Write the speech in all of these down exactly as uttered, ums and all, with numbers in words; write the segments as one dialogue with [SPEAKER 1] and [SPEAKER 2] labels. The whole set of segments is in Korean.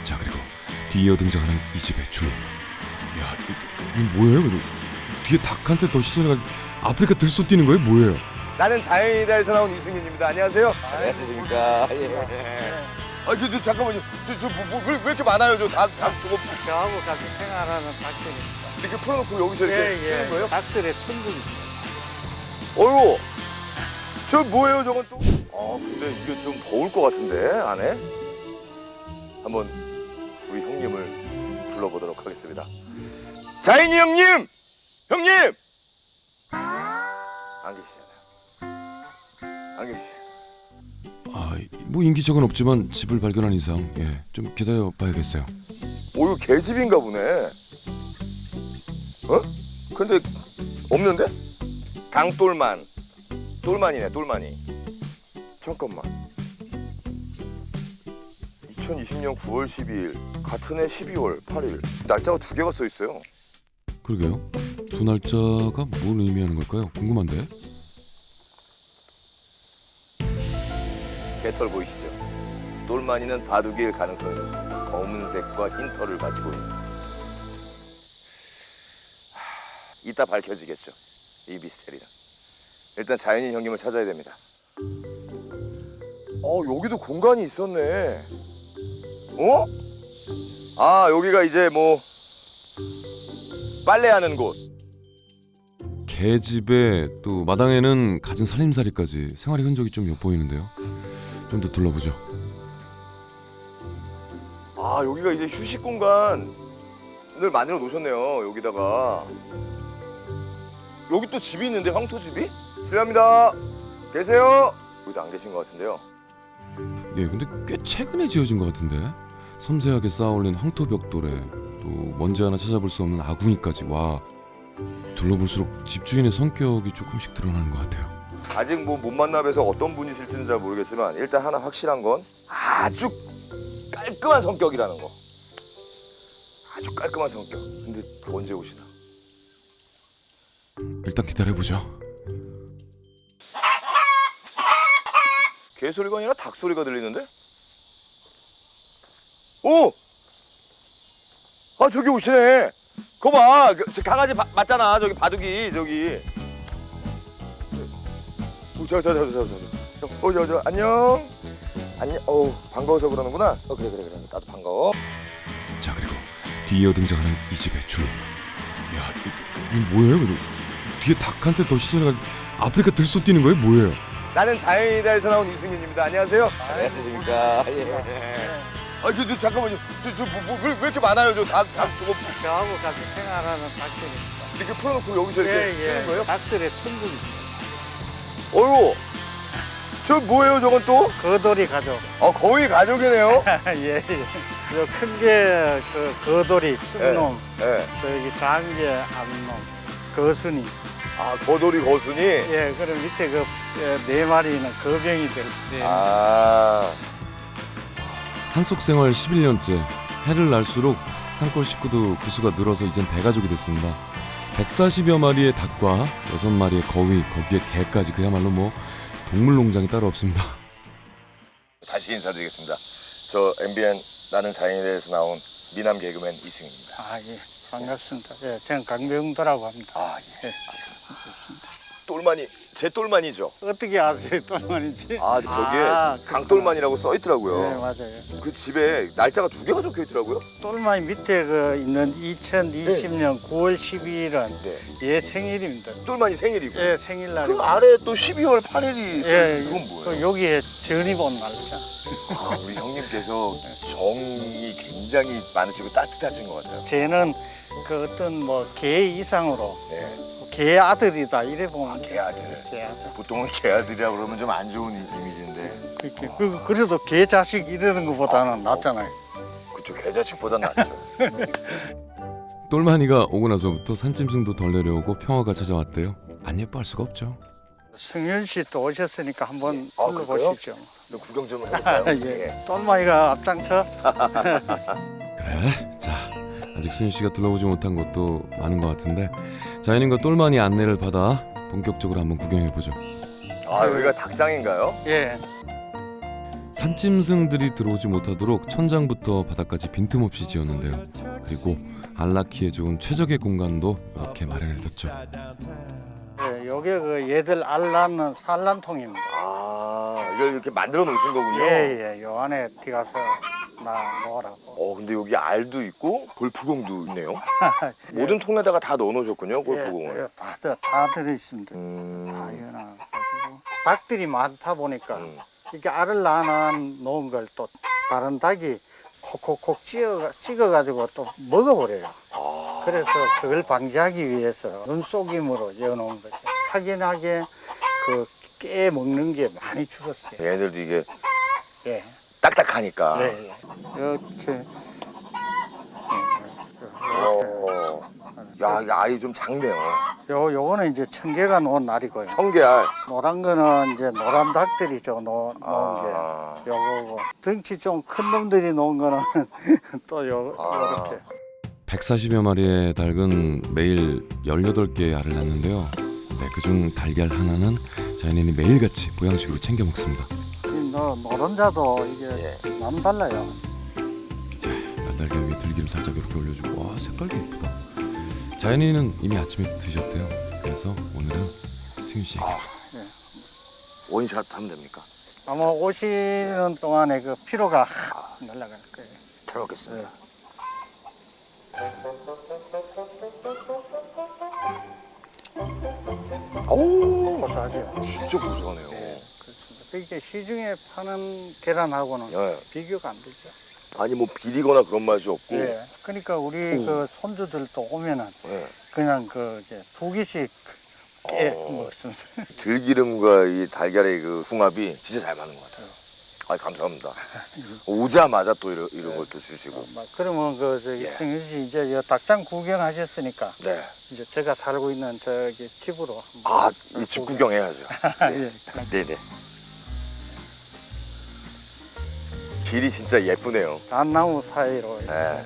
[SPEAKER 1] 자, 그리고 뒤이어 등장하는 이 집의 주인. 야, 이, 이 뭐예요? 이거? 뒤에 닭한테 더 시선이 가. 아프리카 들쏘 뛰는 거예요? 뭐예요?
[SPEAKER 2] 나는 자연이다에서 나온 이승윤입니다. 안녕하세요. 안녕하십니까. 예. 아, 그, 저, 잠깐만요. 저, 저, 뭐, 뭐, 왜, 왜 이렇게 많아요? 저 닭, 닭, 저거.
[SPEAKER 3] 저하고 같이 생활하는 닭들입니다.
[SPEAKER 2] 이렇게 풀어놓고 여기서 이렇게
[SPEAKER 3] 예,
[SPEAKER 2] 쓰는
[SPEAKER 3] 예.
[SPEAKER 2] 거예요?
[SPEAKER 3] 닭들의 천국입니다.
[SPEAKER 2] 어이구. 저 뭐예요, 저건 또? 아, 근데 이게 좀 더울 것 같은데, 안에? 한번 우리 형님을 불러보도록 하겠습니다. 자인이 형님! 형님! 안 계시잖아요. 안 계시죠.
[SPEAKER 1] 아, 뭐 인기척은 없지만 집을 발견한 이상 예, 좀 기다려 봐야겠어요.
[SPEAKER 2] 오, 이거 개집인가 보네. 어? 근데 없는데? 강똘만. 똘만이네, 똘만이. 잠깐만. 이천이십 년 구월 십이일, 같은 해 십이월 팔일. 날짜가 두 개가 써 있어요.
[SPEAKER 1] 그러게요. 두 날짜가 뭘 의미하는 걸까요? 궁금한데.
[SPEAKER 2] 개털 보이시죠? 똘만이는 바둑일 가능성이 높습니다. 검은색과 흰 털을 가지고 있는. 하... 이따 밝혀지겠죠. 이 미스테리는. 일단 자연인 형님을 찾아야 됩니다. 어, 여기도 공간이 있었네. 어? 아, 여기가 이제 뭐 빨래하는 곳.
[SPEAKER 1] 개집에 또 마당에는 갖은 살림살이까지 생활의 흔적이 좀 엿보이는데요. 좀 더 둘러보죠.
[SPEAKER 2] 아, 여기가 이제 휴식 공간을 만들어 놓으셨네요. 여기다가. 여기 또 집이 있는데, 황토집이? 실례합니다. 계세요? 여기도 안 계신 것 같은데요.
[SPEAKER 1] 예, 근데 꽤 최근에 지어진 것 같은데. 섬세하게 쌓아올린 황토벽돌에 또 먼지 하나 찾아볼 수 없는 아궁이까지. 와, 둘러볼수록 집주인의 성격이 조금씩 드러나는 것 같아요.
[SPEAKER 2] 아직 뭐 못 만나 뵈서 어떤 분이실지는 잘 모르겠지만 일단 하나 확실한 건 아주 깔끔한 성격이라는 거. 아주 깔끔한 성격. 근데 언제 오시나?
[SPEAKER 1] 일단 기다려보죠.
[SPEAKER 2] 개 소리가 아니라 닭 소리가 들리는데? 오! 아, 저기 오시네. 그거 봐. 그, 저 강아지 바, 맞잖아. 저기 바둑이 저기. 오, 저, 저, 저, 저, 저, 저. 어, 저, 저, 안녕. 안녕. 어우, 반가워서 그러는구나. 어, 그래, 그래, 그래. 나도 반가워.
[SPEAKER 1] 자, 그리고 뒤이어 등장하는 이 집의 주인. 야, 이, 이 뭐예요? 이거? 뒤에 닭한테 더 시선이 가. 아프리카 들쏘 뛰는 거예요? 뭐예요?
[SPEAKER 2] 나는 자연이다에서 나온 이승윤입니다. 안녕하세요. 안녕하십니까. 예. 아, 저, 저, 잠깐만요. 저, 저, 뭐, 뭐, 왜, 왜 이렇게 많아요? 저 닭, 닭, 저거.
[SPEAKER 3] 저하고 같이 생활하는 닭들입니다.
[SPEAKER 2] 이렇게 풀어놓고 여기서 이렇게
[SPEAKER 3] 예,
[SPEAKER 2] 쓰는
[SPEAKER 3] 예.
[SPEAKER 2] 거예요?
[SPEAKER 3] 닭들의 천국입니다.
[SPEAKER 2] 어이구. 저 뭐예요, 저건 또?
[SPEAKER 3] 거돌이 가족.
[SPEAKER 2] 어, 거의 가족이네요.
[SPEAKER 3] 예, 예. 저 큰 게 그 거돌이, 쑥놈,
[SPEAKER 2] 예.
[SPEAKER 3] 저기 장게, 암놈, 거순이.
[SPEAKER 2] 아, 거돌이 거순이?
[SPEAKER 3] 예, 그럼 밑에 그 네 마리는 거병이들. 네.
[SPEAKER 2] 아.
[SPEAKER 1] 산속 생활 십일 년째. 해를 날수록 산골 식구도 그 수가 늘어서 이젠 대가족이 됐습니다. 백사십여 마리의 닭과 여섯 마리의 거위, 거기에 개까지. 그야말로 뭐 동물농장이 따로 없습니다.
[SPEAKER 2] 다시 인사드리겠습니다. 저 엠비엔 나는 자연인에서 나온 미남 개그맨 이승입니다.
[SPEAKER 3] 아, 예. 반갑습니다. 예, 저는 강병도라고 합니다.
[SPEAKER 2] 아, 예.
[SPEAKER 3] 예.
[SPEAKER 2] 똘만이, 제 똘만이죠?
[SPEAKER 3] 어떻게 아세요, 똘만인지?
[SPEAKER 2] 아, 저기에
[SPEAKER 3] 아,
[SPEAKER 2] 강똘만이라고 써 있더라고요.
[SPEAKER 3] 네, 맞아요.
[SPEAKER 2] 그 집에 날짜가 두 개가 적혀 있더라고요.
[SPEAKER 3] 똘마니 밑에 그 있는 이천이십 년 구월 십이일은
[SPEAKER 2] 네.
[SPEAKER 3] 얘 생일입니다.
[SPEAKER 2] 똘만이 생일이고.
[SPEAKER 3] 얘 생일날.
[SPEAKER 2] 그 아래 또 십이월 팔일이
[SPEAKER 3] 예,
[SPEAKER 2] 이건 뭐예요?
[SPEAKER 3] 그 여기에 전입 온 날짜.
[SPEAKER 2] 아, 우리 형님께서 정이 굉장히 많으시고 따뜻하신 것 같아요.
[SPEAKER 3] 쟤는 그 어떤 뭐 개 이상으로
[SPEAKER 2] 네.
[SPEAKER 3] 개 아들이다 이래 보면.
[SPEAKER 2] 아, 개 아들.
[SPEAKER 3] 개 아들.
[SPEAKER 2] 보통은 개 아들이라고 그러면 좀 안 좋은 이미지인데.
[SPEAKER 3] 그렇게. 그, 그래도 개 자식 이러는 것보다는 낫잖아요.
[SPEAKER 2] 그쪽 개 자식보단 낫죠.
[SPEAKER 1] 똘마니가 오고 나서부터 산짐승도 덜 내려오고 평화가 찾아왔대요. 안 예뻐할 수가 없죠.
[SPEAKER 3] 승윤 씨 또 오셨으니까 한번
[SPEAKER 2] 아,
[SPEAKER 3] 불러보시죠.
[SPEAKER 2] 너 구경 좀 해볼까요?
[SPEAKER 3] 예. 똘마니가 앞장서.
[SPEAKER 1] 그래. 자, 아직 승윤 씨가 둘러보지 못한 곳도 많은 것 같은데 자연인과 똘마니 안내를 받아 본격적으로 한번 구경해 보죠.
[SPEAKER 2] 아, 여기가 닭장인가요?
[SPEAKER 3] 예.
[SPEAKER 1] 산짐승들이 들어오지 못하도록 천장부터 바닥까지 빈틈없이 지었는데요. 그리고 알 낳기에 좋은 최적의 공간도 이렇게 마련해뒀죠.
[SPEAKER 3] 예, 요게 그 얘들 알 낳는 산란통입니다.
[SPEAKER 2] 아, 이걸 이렇게 만들어 놓으신 거군요.
[SPEAKER 3] 예예, 요 안에 들어가서 나 놓으라고.
[SPEAKER 2] 어, 근데 여기 알도 있고 골프공도 있네요.
[SPEAKER 3] 예.
[SPEAKER 2] 모든 통에다가 다 넣어 놓으셨군요, 골프공을.
[SPEAKER 3] 예, 다, 다, 다 들어있습니다. 다
[SPEAKER 2] 음.
[SPEAKER 3] 해놔가지고 닭들이 많다 보니까
[SPEAKER 2] 음.
[SPEAKER 3] 이렇게 알을 낳아 놓은 걸 또 다른 닭이 콕콕콕 찍어, 찍어가지고 또 먹어버려요.
[SPEAKER 2] 아.
[SPEAKER 3] 그래서 그걸 방지하기 위해서 눈속임으로 여놓은 거죠. 확연하게 그 깨 먹는 게 많이 줄었어요.
[SPEAKER 2] 얘네들도 이게
[SPEAKER 3] 예.
[SPEAKER 2] 딱딱하니까.
[SPEAKER 3] 네. 이렇게.
[SPEAKER 2] 어. 야, 이 알이 좀 작네요.
[SPEAKER 3] 요, 요거는 이제 청개가 놓은 알이고요.
[SPEAKER 2] 청개알.
[SPEAKER 3] 노란 거는 이제 노란 닭들이죠. 놓, 놓은
[SPEAKER 2] 아.
[SPEAKER 3] 게. 요거고. 덩치 좀 큰 놈들이 놓은 거는 또 요,
[SPEAKER 2] 아.
[SPEAKER 3] 요렇게.
[SPEAKER 1] 백사십여 마리의 닭은 매일 열여덟 개의 알을 낳는데요. 네, 그중 달걀 하나는 자연인이 매일같이 보양식으로 챙겨 먹습니다.
[SPEAKER 3] 이 노, 노른자도 이게
[SPEAKER 2] 예.
[SPEAKER 3] 남달라요.
[SPEAKER 1] 달걀 위에 들기름 살짝 이렇게 올려주고, 와, 색깔도 예쁘다. 자연인은 이미 아침에 드셨대요. 그래서 오늘은 승윤 씨에게.
[SPEAKER 2] 아. 원샷 하면 됩니까?
[SPEAKER 3] 아마 오시는 동안에 그 피로가 확 날아갈 거예요.
[SPEAKER 2] 잘 먹겠습니다. 오,
[SPEAKER 3] 고소하죠.
[SPEAKER 2] 진짜 고소하네요.
[SPEAKER 3] 그렇습니다. 이게 시중에 파는 계란하고는
[SPEAKER 2] 예.
[SPEAKER 3] 비교가 안 되죠.
[SPEAKER 2] 아니 뭐 비리거나 그런 맛이 없고.
[SPEAKER 3] 예. 그러니까 우리
[SPEAKER 2] 오.
[SPEAKER 3] 그 손주들도 오면은
[SPEAKER 2] 예.
[SPEAKER 3] 그냥 그 이제 두 개씩 깨
[SPEAKER 2] 어.
[SPEAKER 3] 먹습니다.
[SPEAKER 2] 들기름과 이 달걀의 그 궁합이 진짜 잘 맞는 것 같아요. 아, 감사합니다. 오자마자 또 이런, 이런 것도 주시고.
[SPEAKER 3] 막 그러면 그 저기
[SPEAKER 2] 예.
[SPEAKER 3] 승윤 씨 이제 여 닭장 구경하셨으니까
[SPEAKER 2] 네.
[SPEAKER 3] 이제 제가 살고 있는 저기 집으로 한번.
[SPEAKER 2] 아, 이 집 구경해야죠.
[SPEAKER 3] 예.
[SPEAKER 2] 네네. 길이 진짜 예쁘네요.
[SPEAKER 3] 단나무 사이로 이렇게.
[SPEAKER 2] 네.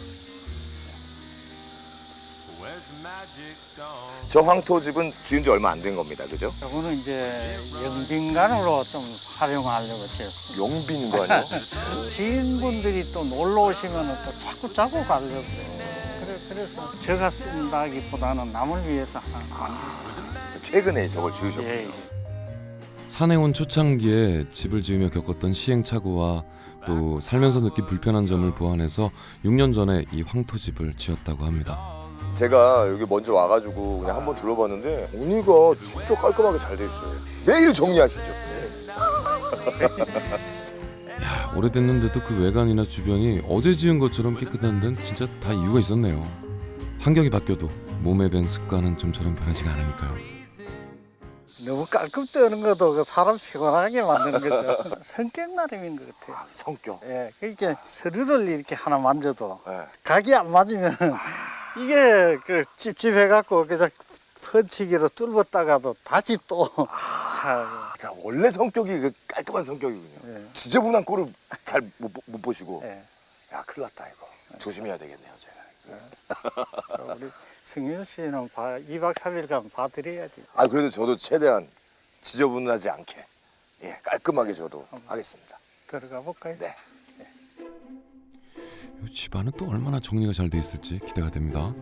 [SPEAKER 2] 저 황토집은 지은 지 얼마 안 된 겁니다. 그죠?
[SPEAKER 3] 저거는 이제 영빈관으로 좀 활용하려고 지었습니다.
[SPEAKER 2] 용빈관이요?
[SPEAKER 3] 지인분들이 또 놀러 오시면 또 자꾸 자꾸 가려고 그래요. 그래, 그래서 제가 쓴다기보다는 남을 위해서 하는
[SPEAKER 2] 최근에 저걸
[SPEAKER 3] 예,
[SPEAKER 2] 지으셨군요.
[SPEAKER 3] 예.
[SPEAKER 1] 산에 온 초창기에 집을 지으며 겪었던 시행착오와 또 살면서 느낀 불편한 점을 보완해서 육 년 전에 이 황토집을 지었다고 합니다.
[SPEAKER 2] 제가 여기 먼저 와가지고 그냥 한번 둘러봤는데 정리가 진짜 깔끔하게 잘 돼 있어요. 매일 정리하시죠?
[SPEAKER 1] 야, 오래됐는데도 그 외관이나 주변이 어제 지은 것처럼 깨끗한 데는 진짜 다 이유가 있었네요. 환경이 바뀌어도 몸에 밴 습관은 좀처럼 변하지가 않으니까요.
[SPEAKER 3] 너무 깔끔 떠는 것도 그 사람 피곤하게 만드는 거죠. 성격 나름인 것 같아요.
[SPEAKER 2] 성격.
[SPEAKER 3] 예, 그러니까 서류를 이렇게 하나 만져도
[SPEAKER 2] 네.
[SPEAKER 3] 각이 안 맞으면 이게 그 찝찝해갖고 그냥 펀치기로 뚫었다가도 다시 또 아,
[SPEAKER 2] 자, 원래 성격이 그 깔끔한 성격이군요.
[SPEAKER 3] 예,
[SPEAKER 2] 지저분한 꼴을 잘 못 못 보시고.
[SPEAKER 3] 예.
[SPEAKER 2] 야, 큰일 났다 이거. 조심해야 되겠네요, 제가.
[SPEAKER 3] 우리 승윤 씨는 봐, 이 박 삼 일간 봐드려야지.
[SPEAKER 2] 아, 그래도 저도 최대한 지저분하지 않게 예, 깔끔하게 저도 하겠습니다.
[SPEAKER 3] 들어가 볼까요?
[SPEAKER 2] 네.
[SPEAKER 1] 이 집안은 또 얼마나 정리가 잘 돼 있을지 기대가 됩니다.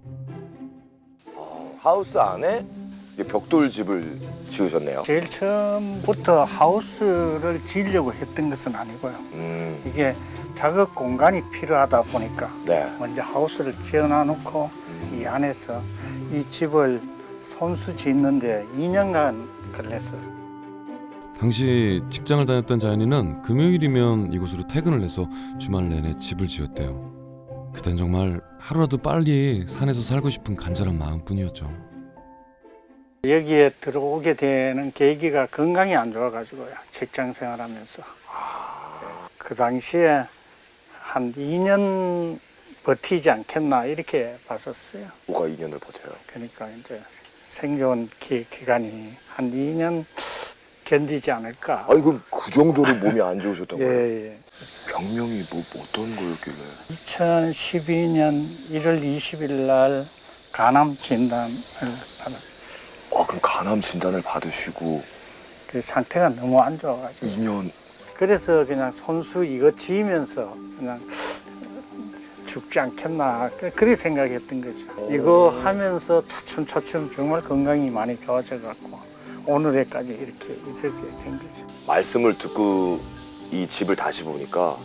[SPEAKER 2] 어, 하우스 안에 이게 벽돌집을 지으셨네요.
[SPEAKER 3] 제일 처음부터 하우스를 지으려고 했던 것은 아니고요.
[SPEAKER 2] 음,
[SPEAKER 3] 이게 작업 공간이 필요하다 보니까
[SPEAKER 2] 네.
[SPEAKER 3] 먼저 하우스를 지어놔놓고
[SPEAKER 2] 음.
[SPEAKER 3] 이 안에서 이 집을 손수 짓는데 이 년간 걸렸어요.
[SPEAKER 1] 당시 직장을 다녔던 자연이는 금요일이면 이곳으로 퇴근을 해서 주말 내내 집을 지었대요. 그땐 정말 하루라도 빨리 산에서 살고 싶은 간절한 마음뿐이었죠.
[SPEAKER 3] 여기에 들어오게 되는 계기가 건강이 안 좋아가지고요. 직장 생활하면서. 그 당시에 한 이 년 버티지 않겠나 이렇게 봤었어요.
[SPEAKER 2] 뭐가 이 년을 버텨요?
[SPEAKER 3] 그러니까 이제 생존 기, 기간이 한 이 년 견디지 않을까.
[SPEAKER 2] 아니 그럼 그 정도로 몸이 안 좋으셨던 거예요?
[SPEAKER 3] 예, 예.
[SPEAKER 2] 병명이 뭐 어떤 거였길래?
[SPEAKER 3] 이천십이 년 일월 이십일 날 간암 진단을 받았어요.
[SPEAKER 2] 아, 그럼 간암 진단을 받으시고
[SPEAKER 3] 그 상태가 너무 안 좋아가지고.
[SPEAKER 2] 이 년
[SPEAKER 3] 그래서 그냥 손수 이거 지으면서 그냥 죽지 않겠나 그렇게 생각했던 거죠. 이거 하면서 차츰차츰 정말 건강이 많이 좋아져 갖고 오늘에까지 이렇게 이렇게 된 거죠.
[SPEAKER 2] 말씀을 듣고 이 집을 다시 보니까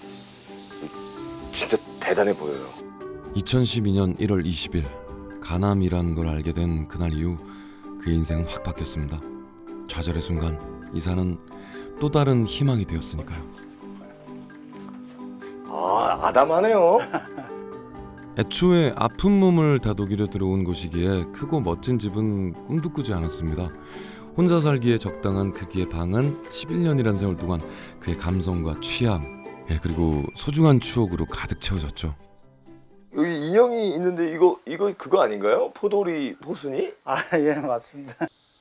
[SPEAKER 2] 진짜 대단해 보여요.
[SPEAKER 1] 이천십이 년 일월 이십일 가남이라는 걸 알게 된 그날 이후 그의 인생은 확 바뀌었습니다. 좌절의 순간 이사는 또 다른 희망이 되었으니까요.
[SPEAKER 2] 아, 아담하네요.
[SPEAKER 1] 애초에 아픈 몸을 다독이려 들어온 곳이기에 크고 멋진 집은 꿈도 꾸지 않았습니다. 혼자 살기에 적당한 크기의 방은 십일 년이란 세월 동안 그의 감성과 취향, 예, 그리고 소중한 추억으로 가득 채워졌죠.
[SPEAKER 2] 여기 인형이 있는데 이거 이거 그거 아닌가요? 포도리 포순이?
[SPEAKER 3] 아, 예, 맞습니다.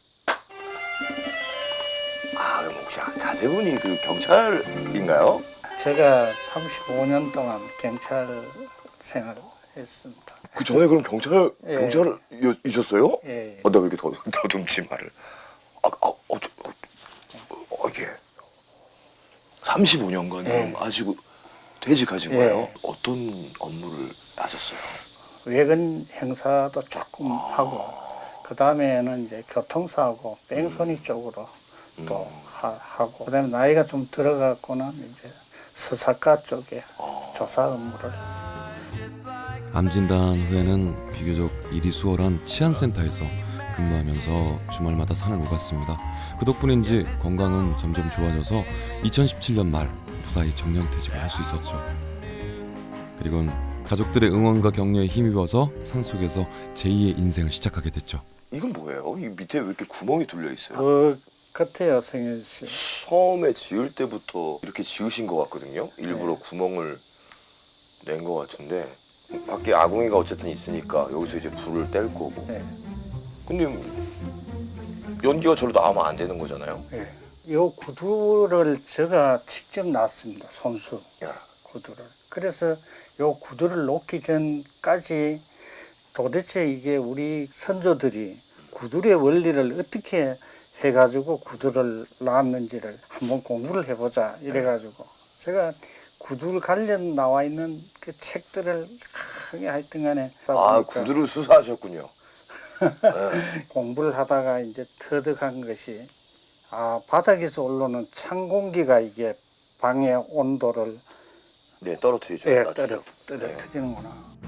[SPEAKER 2] 아, 그럼 혹시 자제분이 그 경찰인가요?
[SPEAKER 3] 제가 삼십오 년 동안 경찰 생활을 했습니다.
[SPEAKER 2] 그 전에 그럼 경찰
[SPEAKER 3] 예.
[SPEAKER 2] 경찰이셨어요?
[SPEAKER 3] 예, 예.
[SPEAKER 2] 어, 나 왜 이렇게 더 더듬지 말을? 아, 아, 어, 저, 어, 어, 이게 삼십오 년간
[SPEAKER 3] 예.
[SPEAKER 2] 그럼 하시고 퇴직하신
[SPEAKER 3] 예.
[SPEAKER 2] 거예요? 어떤 업무를 하셨어요?
[SPEAKER 3] 외근 행사도 조금 하고 그 다음에는 이제 교통사고 뺑소니 쪽으로 또 하, 하고 그다음에 나이가 좀 들어갔고는 이제 수사과 쪽에 조사 업무를.
[SPEAKER 1] 암 진단 후에는 비교적 일이 수월한 치안센터에서 근무하면서 주말마다 산을 오갔습니다. 그 덕분인지 건강은 점점 좋아져서 이천십칠 년 말 무사히 정년퇴직을 할 수 있었죠. 그리고는 가족들의 응원과 격려에 힘입어서 산속에서 제이의 인생을 시작하게 됐죠.
[SPEAKER 2] 이건 뭐예요? 이 밑에 왜 이렇게 구멍이 뚫려 있어요?
[SPEAKER 3] 그 같아요, 성현 씨.
[SPEAKER 2] 처음에 지을 때부터 이렇게 지으신 것 같거든요. 일부러
[SPEAKER 3] 네.
[SPEAKER 2] 구멍을 낸 것 같은데 밖에 아궁이가 어쨌든 있으니까 여기서 이제 불을 뗄 거고.
[SPEAKER 3] 네.
[SPEAKER 2] 근데 연기가 저로 나오면 안 되는 거잖아요.
[SPEAKER 3] 예. 이 구두를 제가 직접 놨습니다. 손수
[SPEAKER 2] 야,
[SPEAKER 3] 구두를. 그래서 이 구두를 놓기 전까지 도대체 이게 우리 선조들이 구두의 원리를 어떻게 해가지고 구두를 놨는지를 한번 공부를 해보자 이래가지고 제가 구두 관련 나와 있는 그 책들을 크게 하여튼 간에
[SPEAKER 2] 아 구두를 수사하셨군요. 네.
[SPEAKER 3] 공부를 하다가 이제 터득한 것이 아 바닥에서 올라오는 찬 공기가 이게 방의 온도를
[SPEAKER 2] 네 떨어뜨리죠.
[SPEAKER 3] 예,
[SPEAKER 2] 나중에.
[SPEAKER 3] 떨어 떨어뜨리는구나.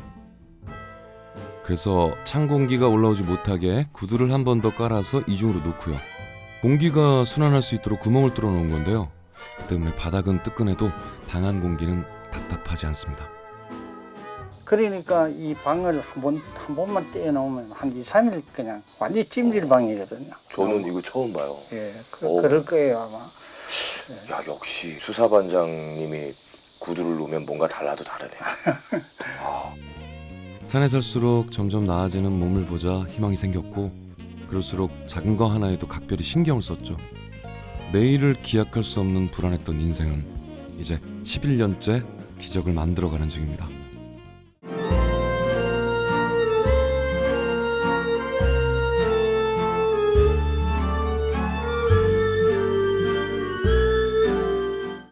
[SPEAKER 1] 그래서 찬 공기가 올라오지 못하게 구두를 한 번 더 깔아서 이중으로 놓고요. 공기가 순환할 수 있도록 구멍을 뚫어 놓은 건데요. 그 때문에 바닥은 뜨끈해도 방안 공기는 답답하지 않습니다.
[SPEAKER 3] 그러니까 이 방을 한 번 한 번만 떼어놓으면 한 이, 삼 일 그냥 완전히 찜질 방이거든요.
[SPEAKER 2] 저는 이거 처음 봐요.
[SPEAKER 3] 예, 그,
[SPEAKER 2] 오.
[SPEAKER 3] 그럴 거예요 아마.
[SPEAKER 2] 야 역시 수사반장님이 구두를 놓으면 뭔가 달라도 다르네요.
[SPEAKER 1] 산에 살수록 점점 나아지는 몸을 보자 희망이 생겼고 그럴수록 작은 거 하나에도 각별히 신경을 썼죠. 내일을 기약할 수 없는 불안했던 인생은 이제 십일 년째 기적을 만들어가는 중입니다.